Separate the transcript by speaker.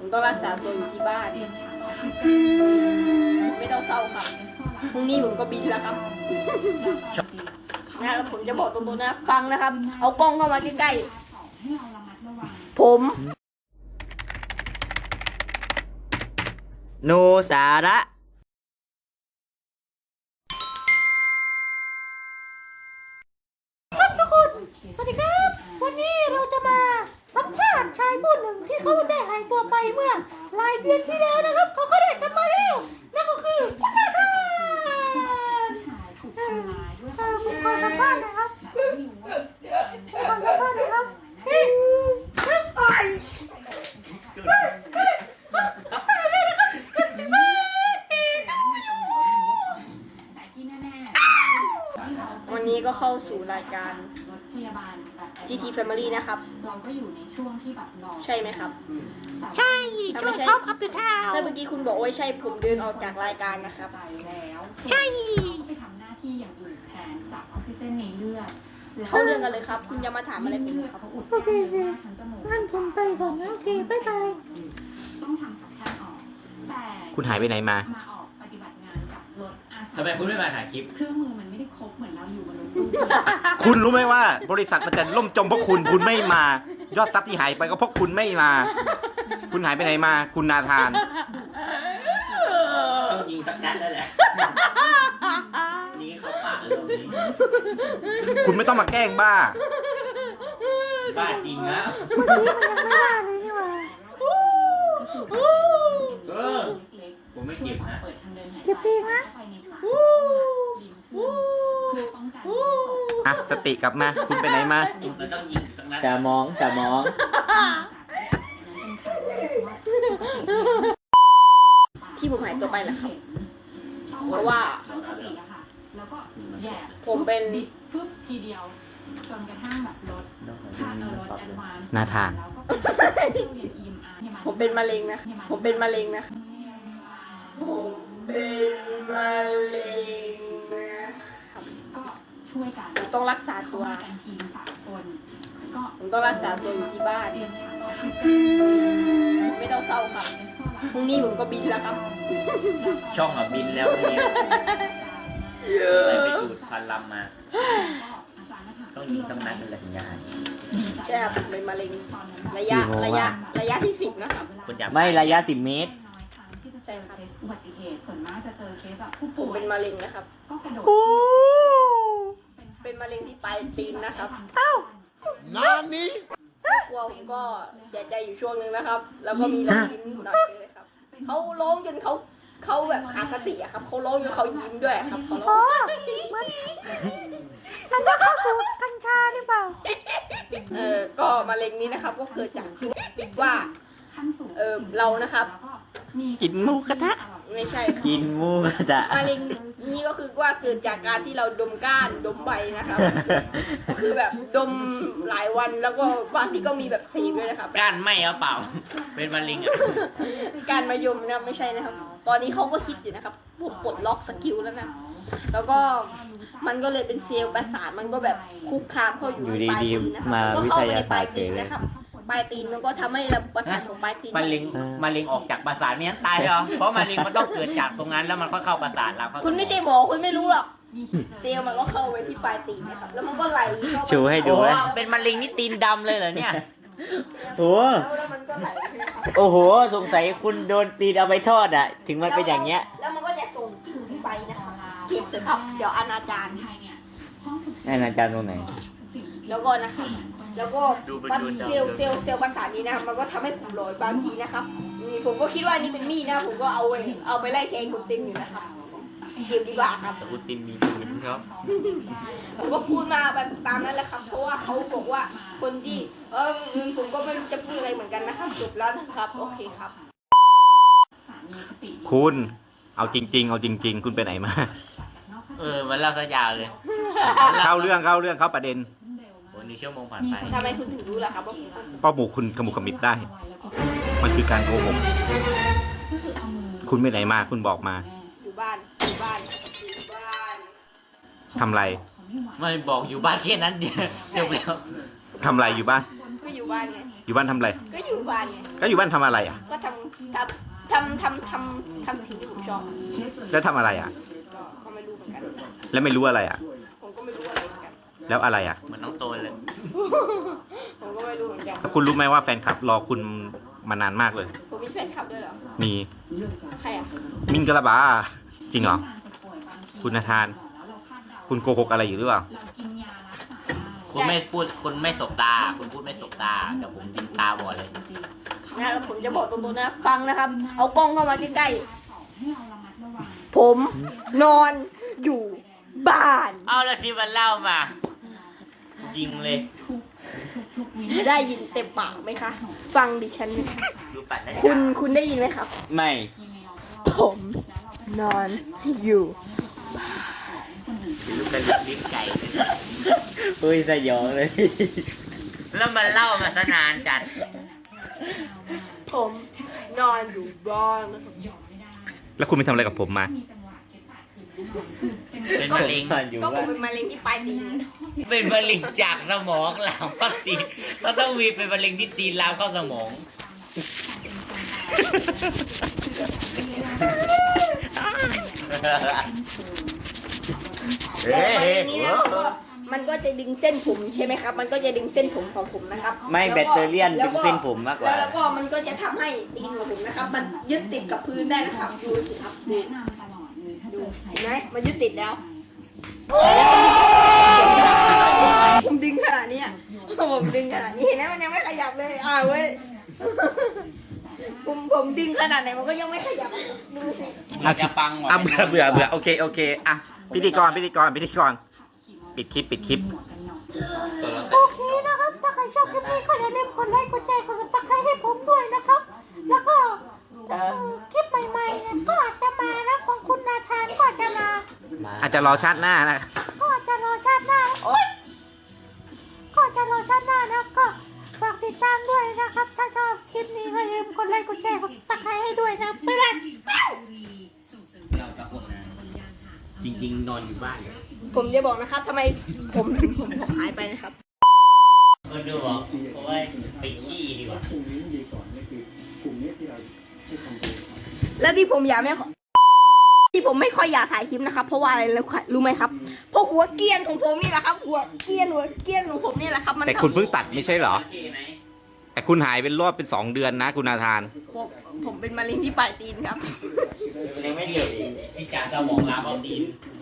Speaker 1: ต้องรักษาตัวอยู่ที่บ้านไม่ต้องเศร้าครับพรุ่งนี้ผมก็บินแล้วครับนะครับผมจะบอกตรงๆนะฟังนะครับเอากล้องเข้ามาใกล้ๆผม
Speaker 2: โนสาระ
Speaker 3: ครับทุกคน สวัสดีครับ วันนี้เราจะมาสัมภาษณ์ชายผู้หนึ่งที่เขาได้หายตัวไปเมื่อหลายเดือนที่แล้วนะครับ เขาก็ได้กลับมาแล้วนั่นก็คือคุณนาธานผมขอสัมภาษณ์นะครับขอสัมภาษณ์นะครับ
Speaker 1: วันนี้ก็เข้าสู่รายการGT Family นะครับ
Speaker 4: เราก็อยู่ในช่วงที่แบบรอ
Speaker 1: ใช่ไหมครับ
Speaker 3: ใช่ช่วงท็อปอัพเดททาว
Speaker 1: แต่เมื่อกี้คุณบอกว่าใช่ผมเดินออกจากรายการนะครับ
Speaker 4: ไปแล้ว
Speaker 3: ใช่
Speaker 4: ต้องไปทำหน้าที่อย่างอื่นแทนจากออกซิเจนในเลือด
Speaker 1: เข้าเรื่องกันเลยครับ คุณจะมาถามอะไรผมครับ
Speaker 4: เขาอุดกั้นเยอะมากทั้งจมูก
Speaker 3: งั้นผมไปก่อนนะโอเคบ๊ายบาย
Speaker 4: ต้องทำสักชั่นออก แต่
Speaker 2: คุณหายไปไหนมา
Speaker 4: มาออกปฏิบัติงานกับรถอาสา
Speaker 5: ทำไมคุณไม่มาถ่ายคลิป
Speaker 4: เครื่องมือมันไม่ได้ครบเหมือนเราอยู่บนรถตู้
Speaker 2: คุณรู้ไหมว่าบริษัทมันจะล่มจมเพราะคุณไม่มา ยอดทรัพย์ที่หายไปก็เพราะคุณไม่มา คุณหายไปไหนมา คุณนาธาน
Speaker 5: ต้องยิงสักนัดแล้วแหละ นี่เขาปากเลยนี้
Speaker 2: คุณไม่ต้องมาแกล้งบ้า
Speaker 5: บ้าจริงนะ
Speaker 3: เมื่อกี้มันยังไม่ว่าเลยนี่หว่า
Speaker 5: เออ ผมไม่เก็บนะ
Speaker 4: เปิดทางเดินหายใจ
Speaker 3: เก็บเองนะ
Speaker 4: เข้าไปในปากลิ้นขึ้นเพื่อป้องกันลิ้นตก
Speaker 2: อ่ะ สติกลับมา คุณไปไหนมา
Speaker 5: เราต้องยิงสักนัด
Speaker 2: ชามอง
Speaker 1: ที่ผมหายตัวไปแหละครับ เพราะว่า
Speaker 4: แล้วก็แย่
Speaker 1: ผมเป็น
Speaker 4: ดิดฟึบทีเดียวจนกระทั่งแบบรถรถแอดวานซ์
Speaker 2: นาธาน
Speaker 4: แล้วก็เป็นตู้เย็น EMR
Speaker 1: ผมเป็นมะเร็งนะ ผมเป็นมะเร็งนะ ผมเป็นมะเร็งนะ
Speaker 4: ก็ช่วยกัน
Speaker 1: ผมต้องรักษาตัว
Speaker 4: เข้มกันทีม3 คนก็
Speaker 1: ผมต้องรักษาตัวอยู่ที่บ้าน
Speaker 4: เตรียมถังออกซิเจน
Speaker 1: ไม่ต้องเศร้าครับพรุ่งนี้ผมก็บินแล้วครับ
Speaker 5: ช่องอ่ะบินแล้วเนี่ยใส่ไปดูดพันลำมา ต้องยิงสักนัดเลยถึงจะหาย
Speaker 1: ใช่ครับผมเป็นมะเร็งระยะที่ 10 นะครับ
Speaker 5: คุณอยาก
Speaker 2: ไม่ระยะ10 เมตร
Speaker 1: ใช่ครับ
Speaker 4: อุบัติเหตุส่วนมากจะเจอเคสแบบผู้
Speaker 1: ผ
Speaker 4: ป่
Speaker 1: ม
Speaker 4: วย
Speaker 1: เป็นมะเร็งนะครับ
Speaker 4: ก็กระโดด
Speaker 1: เป็นมะเร็งที่ปลายตีนนะครับ
Speaker 3: เอ้า
Speaker 1: กลัวผมก็เสียใจอยู่ช่วงนึงนะครับ แล้วก็มีรอยยิ้มหน่อยเลยครับเขาร้องจนเขาแบบขาดสติอะครับเขาร้องจนเขายิ้มด้วยครับเขาร้
Speaker 3: อ๋
Speaker 1: อ
Speaker 3: อง เหมือนมันจะเข้าสู่กัญชาหรือเปล่า
Speaker 1: ก็มะเร็งนี้นะครับก็เกิดจากที่ว่า
Speaker 4: ขั้นสูง
Speaker 1: เรานะครับ
Speaker 4: แล้วก็มี
Speaker 2: กินหมูกระทะ
Speaker 1: ไม่ใช่ครับ
Speaker 2: กินหมูกระทะ
Speaker 1: มะเร็งนี่ก็คือว่าเกิดจากการที่เราดมก้านดมใบนะครับ ก็คือแบบดมหลายวันแล้วก็บางทีก็มีแบบเสพด้วยนะครับ
Speaker 5: ก้านไหมเอาเปล่า เป็นมะเร็งอ่ะ
Speaker 1: การมายมนะไม่ใช่นะครับ ตอนนี้เขาก็คิดอยู่นะครับผมปลดล็อกสกิลแล้วนะแล้วก็มันก็เลยเป็นเซลล์ประสาทมันก็แบบคุกคามเข้าอยู่ในปลายตีนนะครับมันก็เข้าไปในปลายตีนนะครับปลายตีนมันก็ทำให้ระบบประสาทของปลายตีน
Speaker 5: มะเร็งออกจากประสาทไม่งั้นตายเหรอ เพราะมะเร็งมันต้องเกิดจากตรงนั้นแล้วมันค่อยเข้าประสาทเราเข้า
Speaker 1: คุณไม่ใช่หมอคุณไม่รู้หรอกเซลล์มันก็เข้าไปที่ปลายตีนนะครับแล้วมันก็ไหลเข้าไป
Speaker 2: ชูให้ดู
Speaker 5: โอ้
Speaker 2: ไหม
Speaker 5: เป็นมะเร็งนี่ตีนดำเลยเหรอเนี่ย
Speaker 2: โอ้
Speaker 1: แล้วมันก็ไหลไปครับ
Speaker 2: โอ้โห สงสัยคุณโดนตีนเอาไปทอดอ่ะ ถึงมันเป็นอย่างเงี้ย
Speaker 1: แล้วมันก็จะส่งกลิ่นไปนะครับเก็บเถอะครับ เดี๋ยวอนาจาร
Speaker 4: ไทยเนี่ยห้องฉุกเฉิน
Speaker 2: นั่นอาจารย์ตรงไหน
Speaker 4: สิ่งที่
Speaker 1: แล้วก็นะครับแล้วก็เซลล์ประสาทนี้นะครับมันก็ทำให้ผมหลอนบางทีนะครับนี่ผมก็คิดว่านี่เป็นมีดนะครับผมก็เอาไปไล่แทงคุณตินอยู่นะครับเก็บดีกว่าครับ
Speaker 5: แต่อุตินมีปืนครับ
Speaker 1: ผมก็พูดมาแบบตามนั้นแหละครับ เพราะว่าเขาบอกว่าคนที่ผมก็ไม่รู้จะพูดอะไรเหมือนกันนะครับจบแล้วนะครับ โอเคครับ
Speaker 4: สามีสติดี
Speaker 2: คุณ เอาจริง ๆ คุณไปไหนมา
Speaker 5: มันเล่าซะยาวเลย
Speaker 2: เข้าเรื่องเข้าประเด็น
Speaker 5: โอ้นี่ชั่วโมงผ่านไป
Speaker 1: ทำไมคุณถึงรู้ล่ะครับว่าผม
Speaker 2: ป้าบุกคุณขมุกขมิบได้ มันคือการโกหก
Speaker 4: ก็คือเอามือ
Speaker 2: คุณไปไหนมา คุณบอกมา
Speaker 1: อยู่บ้านอยู่บ้านอยู่บ้าน
Speaker 2: ทำไร
Speaker 5: ไม่บอกอยู่บ้านแค่นั้นเดียวจบแล้ว
Speaker 2: ทำไรอยู่บ้าน
Speaker 1: ก็อยู่บ้านไง
Speaker 2: อยู่บ้านทำไร
Speaker 1: ก็อยู่อยู่บ้านไง
Speaker 2: ก็อยู่บ้านทำอะไรอ่ะ
Speaker 1: ก็ทำสิ่งที่ผมชอบ
Speaker 2: แล้วทำอะไรอ่ะ
Speaker 1: ก็ไม่รู้เหมือนกัน
Speaker 2: แล้วไม่รู้อะไรอ่ะ
Speaker 1: ผมก็ไม่รู้อะไรเหมือนกัน
Speaker 2: แล้วอะไรอ่ะ
Speaker 5: เหมือนน้องโตนเลย
Speaker 1: ผมก็ไม่รู้เหมือนกัน
Speaker 2: แล้วคุณรู้ไหมว่าแฟนคลับรอคุณมานานมากเลย
Speaker 1: ผมมีแฟนคลับด้วยเหรอ
Speaker 2: มี
Speaker 1: ใครอ่ะ
Speaker 2: มินกะลาบา จริงเหรอ คุณนาธาน คุณโกหกอะไรอยู่หรือเปล่า
Speaker 4: เรากินยารักษา
Speaker 5: คุณไม่พูดคุณไม่สบตา คุณพูดไม่สบตาเดี๋ยวผมยิงตาบอดเลย
Speaker 1: นะผมจะบอกตรงๆนะ ฟังนะครับ เอากล้องเข้ามาใกล้
Speaker 4: ให้เราระมัดระวัง
Speaker 1: ๆ ผมนอนอยู่บ้าน
Speaker 5: เอาแล้วที่มันเล่ามา ยิงเลย
Speaker 1: ได้ยินเต็มปากไหมคะ ฟังดิฉันนะคะ
Speaker 5: ดูปัดนะ
Speaker 1: คุณได้ยินไหมครับ
Speaker 2: ไม่
Speaker 4: ยังไงเราก็รอ
Speaker 1: ผมนอนอยู่
Speaker 5: ลูกกระดิกลิ้นไก่
Speaker 2: เฮ้ยสยองเลย
Speaker 5: แล้วมันเล่ามาซะนานจัด
Speaker 1: ผมนอนอยู่บ้านนะครับ
Speaker 2: แล้วคุณไปทำอะไรกับผมมา
Speaker 4: มีจังหวะเก็บปากคือ
Speaker 5: เป็นมะเร็ง
Speaker 1: ก็ผมเป็นมะเร็งที่ปลายตีน
Speaker 5: เป็นมะเร็งจากสมองลามเข้าตีนก็ต้องมีเป็นมะเร็งที่ตีนลามเข้าสมอง
Speaker 1: แต่มะเร็งนี้นะมันก็จะดึงเส้นผมใช่ไหมครับ มันก็จะดึงเส้นผมของผมนะครับ
Speaker 2: ไม่
Speaker 1: ล้ว
Speaker 2: แบตเตอรี่ดึงเส้นผมมากกว่า
Speaker 1: แล้วก็มันก็จะทำให้ตีนของผมนะครับ มันยึดติดกับพื้นได้นะครับ ดูสิครับ
Speaker 4: แนะนำตลอดเลยถ้าเจ
Speaker 1: ดู
Speaker 4: อใคร
Speaker 1: เห็นไหมมันยึดติดแล้ว ผมดึงขนาดนี้อะผมดึงขนาดนี้เห็นไหมมันยังไม่ขยับเลยเว้ย ผมดึงขนาดไหนมันก็ยังไม่ขยับดูสิ
Speaker 5: เราจะฟังว่ะ
Speaker 2: อ่ะเบื่อโอเคอ่ะพิธีกรปิดคลิป
Speaker 3: โอเคนะครับ ถ้าใครชอบคลิปนี้ก็อย่าลืมกดไลค์กดแชร์กดซับสไครต์ให้ผมด้วยนะครับ แล้วก็คลิปใหม่ๆเนี่ยก็อาจจะมานะของคุณนาธานก็อาจจะมา
Speaker 2: อาจจะรอชาติหน้านะ
Speaker 3: ก็อาจจะรอชาติหน้าโอ๊ยก็อาจจะรอชาติหน้านะก็ฝากติดตามด้วยนะครับ ถ้าชอบคลิปนี้ก็อย่าลืมกดไลค์กดแชร์กดซับสไครต์ให้ด้วยนะบ๊ายบาย
Speaker 5: เราจะคนนะจริงๆนอนอยู่บ้านเลย
Speaker 1: ผมจะบอกนะครับทำไมผมถึงผมหายไปนะครับ
Speaker 5: ดูบอกเพราะว่าไปขี้ดีกว่า
Speaker 1: แล้วที่ผมที่ผมไม่ค่อยอยากถ่ายคลิปนะครับ เพราะว่าอะไรรู้ไหมครับเพราะหัวเกรียนของผมนี่แหละครับหัวเกรียนของผมนี่แหละครับมัน
Speaker 2: แต่คุณเพิ่งตัดไม่ใช่เหรอ
Speaker 5: ขี้ไหม
Speaker 2: แต่คุณหายเป็นรอบเป็น2 เดือนนะคุณนาธาน
Speaker 1: ผมเป็นมะเร็งที่ปลายตีนครับ
Speaker 5: ยังไม่เจอที่จากสมองลามเข้าตีน